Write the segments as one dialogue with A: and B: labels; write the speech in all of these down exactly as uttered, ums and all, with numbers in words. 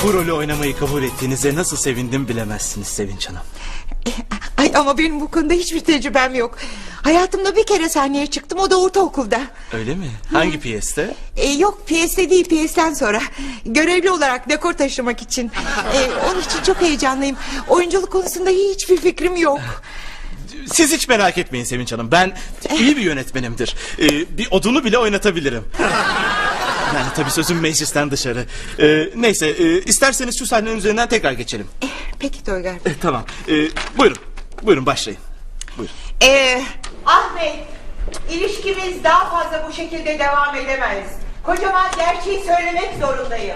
A: Bu rolü oynamayı kabul ettiğinize nasıl sevindim bilemezsiniz Sevinç Hanım.
B: Ay ama benim bu konuda hiçbir tecrübem yok. Hayatımda bir kere sahneye çıktım, o da ortaokulda.
A: Öyle mi? Hangi piyeste?
B: Ee, yok piyeste değil, piyesten sonra. Görevli olarak dekor taşımak için. Ee, onun için çok heyecanlıyım. Oyunculuk konusunda hiçbir fikrim yok.
A: Siz hiç merak etmeyin Sevinç Hanım. Ben iyi bir yönetmenimdir. Ee, bir odunu bile oynatabilirim. Yani tabii sözüm meclisten dışarı. Ee, neyse e, isterseniz şu sahnenin üzerinden tekrar geçelim.
B: Ee, peki Toygar.
A: Ee, tamam. Ee, buyurun. Buyurun başlayın. Buyurun.
B: Ee, Ahmet, ilişkimiz daha fazla bu şekilde devam edemez. Kocaman gerçeği söylemek zorundayım.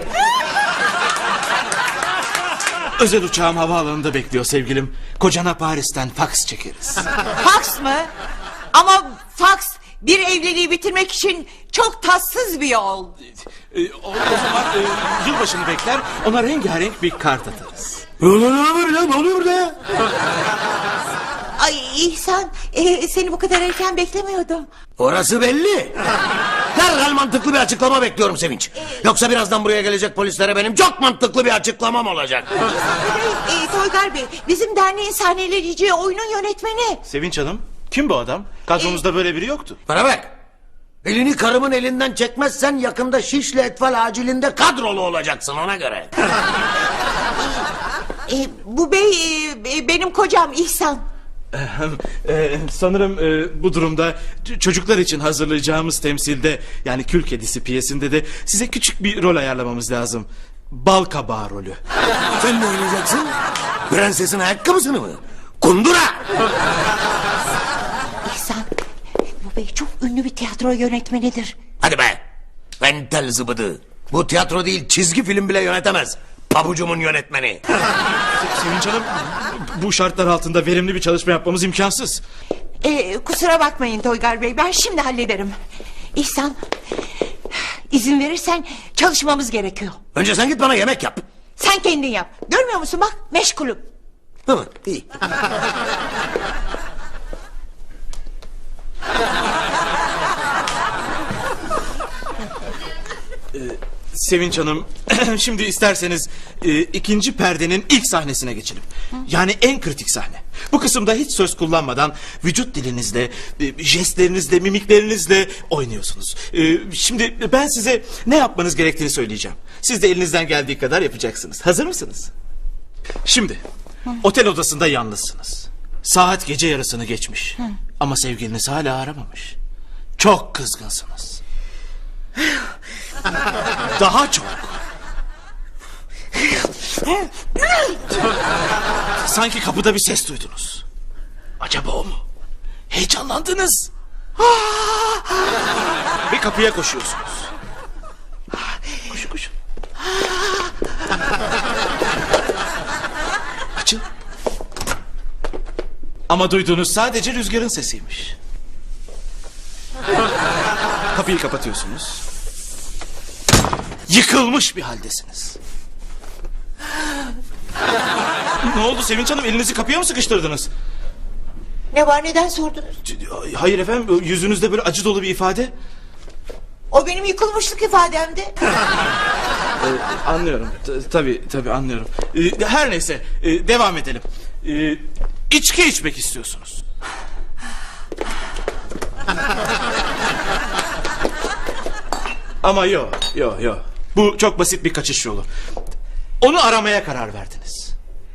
A: Özel uçağım havaalanında bekliyor sevgilim. Kocana Paris'ten faks çekeriz.
B: Faks mı? Ama faks bir evliliği bitirmek için çok tatsız bir yol.
A: Ee, o, o zaman e, yılbaşını bekler, ona rengarenk bir kart atarız.
C: Ne oluyor ya? Ne oluyor burada ya?
B: Ay İhsan, e, seni bu kadar erken beklemiyordum.
C: Orası belli. Derhal mantıklı bir açıklama bekliyorum Sevinç. Yoksa birazdan buraya gelecek polislere benim çok mantıklı bir açıklamam olacak.
B: Bey, e, Toygar Bey, bizim derneğin sahneleyeceği oyunun yönetmeni.
A: Sevinç Hanım, kim bu adam? Kadromuzda böyle biri yoktu.
C: Bana bak. Elini karımın elinden çekmezsen yakında Şişli Etfal acilinde kadrolu olacaksın, ona göre.
B: E, bu bey e, benim kocam İhsan.
A: Ee, sanırım e, bu durumda ç- çocuklar için hazırlayacağımız temsilde, yani Kül Kedisi piyesinde de size küçük bir rol ayarlamamız lazım. Bal kabağı rolü.
C: Sen ne oynayacaksın? Prensesin ayakkabısını mı? Kundura!
B: İhsan, bu bey çok ünlü bir tiyatro yönetmenidir.
C: Hadi be! Entel zıbıdı. Bu tiyatro değil, çizgi film bile yönetemez. Pabucumun yönetmeni.
A: Se- Sevinç Hanım, bu şartlar altında verimli bir çalışma yapmamız imkansız.
B: E, kusura bakmayın Toygar Bey, ben şimdi hallederim. İhsan, izin verirsen çalışmamız gerekiyor.
C: Önce sen git bana yemek yap.
B: Sen kendin yap. Görmüyor musun bak, meşgulüm.
C: Hı, iyi.
A: Sevinç Hanım, şimdi isterseniz e, ikinci perdenin ilk sahnesine geçelim. Yani en kritik sahne. Bu kısımda hiç söz kullanmadan vücut dilinizle, e, jestlerinizle, mimiklerinizle oynuyorsunuz. E, şimdi ben size ne yapmanız gerektiğini söyleyeceğim. Siz de elinizden geldiği kadar yapacaksınız. Hazır mısınız? Şimdi otel odasında yalnızsınız. Saat gece yarısını geçmiş. Ama sevgiliniz hala aramamış. Çok kızgınsınız. Daha çok. Sanki kapıda bir ses duydunuz. Acaba o mu? Heyecanlandınız. Ve kapıya koşuyorsunuz. Koşun koşun. Açın. Ama duyduğunuz sadece rüzgarın sesiymiş. Kapıyı kapatıyorsunuz. Yıkılmış bir haldesiniz. Ne oldu Sevinç Hanım, elinizi kapıya mı sıkıştırdınız?
B: Ne var, neden sordunuz?
A: Hayır efendim, yüzünüzde böyle acı dolu bir ifade.
B: O benim yıkılmışlık ifademdi.
A: Ee, anlıyorum. T- tabii tabii anlıyorum. Ee, her neyse, e, devam edelim. Ee, içki içmek istiyorsunuz. Ama yok yok yok. Bu çok basit bir kaçış yolu. Onu aramaya karar verdiniz.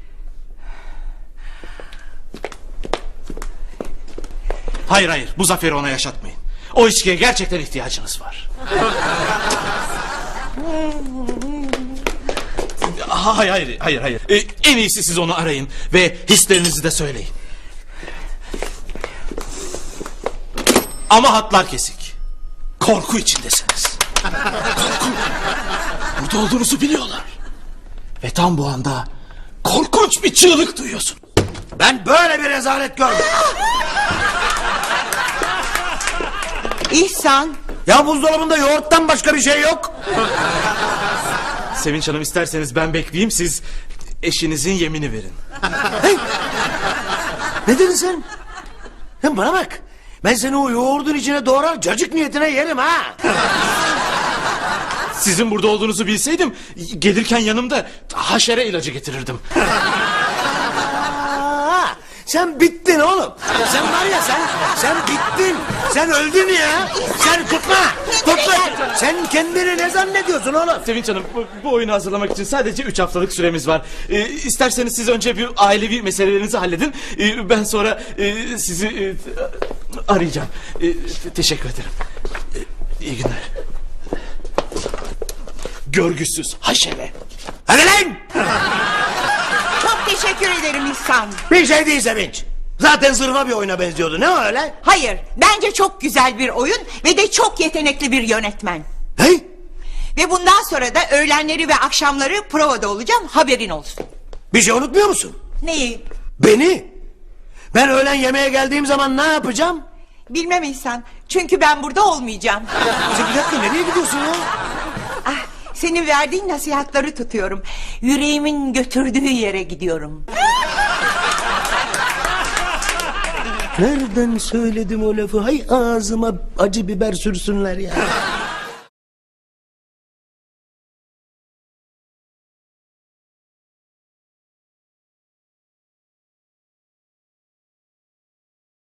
A: Hayır hayır, bu zaferi ona yaşatmayın. O içkiye gerçekten ihtiyacınız var. Hayır hayır hayır hayır. Ee, en iyisi siz onu arayın ve hislerinizi de söyleyin. Ama hatlar kesik. Korku içindesiniz. Korku. Burada olduğunuzu biliyorlar. Ve tam bu anda korkunç bir çığlık duyuyorsun.
C: Ben böyle bir rezalet görmedim.
B: İhsan.
C: Ya buzdolabında yoğurttan başka bir şey yok.
A: Sevinç Hanım, isterseniz ben bekleyeyim, siz eşinizin yemini verin.
C: Hey! Ne dedin sen? Hem bana bak. Ben seni o yoğurdun içine doğrar cacık niyetine yerim ha.
A: Sizin burada olduğunuzu bilseydim gelirken yanımda haşere ilacı getirirdim.
C: Aa, sen bittin oğlum. Sen var ya sen sen bittin. Sen öldün ya. Sen tutma. Tutma. Sen kendini ne zannediyorsun oğlum?
A: Sevinç Hanım bu, bu oyunu hazırlamak için sadece üç haftalık süremiz var. Ee, isterseniz siz önce bir ailevi meselelerinizi halledin. Ee, ben sonra e, sizi e, arayacağım. E, teşekkür ederim. E, iyi günler. Görgüsüz haşere.
C: Hadi lan.
B: Çok teşekkür ederim İhsan.
C: Bir şey değil Sevinç. Zaten zırva bir oyuna benziyordu. Ne o öyle?
B: Hayır, bence çok güzel bir oyun ve de çok yetenekli bir yönetmen.
C: Hey?
B: Ve bundan sonra da öğlenleri ve akşamları provada olacağım, haberin olsun.
C: Bir şey unutmuyor musun?
B: Neyi?
C: Beni. Ben öğlen yemeğe geldiğim zaman ne yapacağım?
B: Bilmem İhsan, çünkü ben burada olmayacağım.
C: Sen bir dakika nereye gidiyorsun ya?
B: Ah, senin verdiğin nasihatleri tutuyorum. Yüreğimin götürdüğü yere gidiyorum.
C: Nereden söyledim o lafı? Hay ağzıma acı biber sürsünler ya.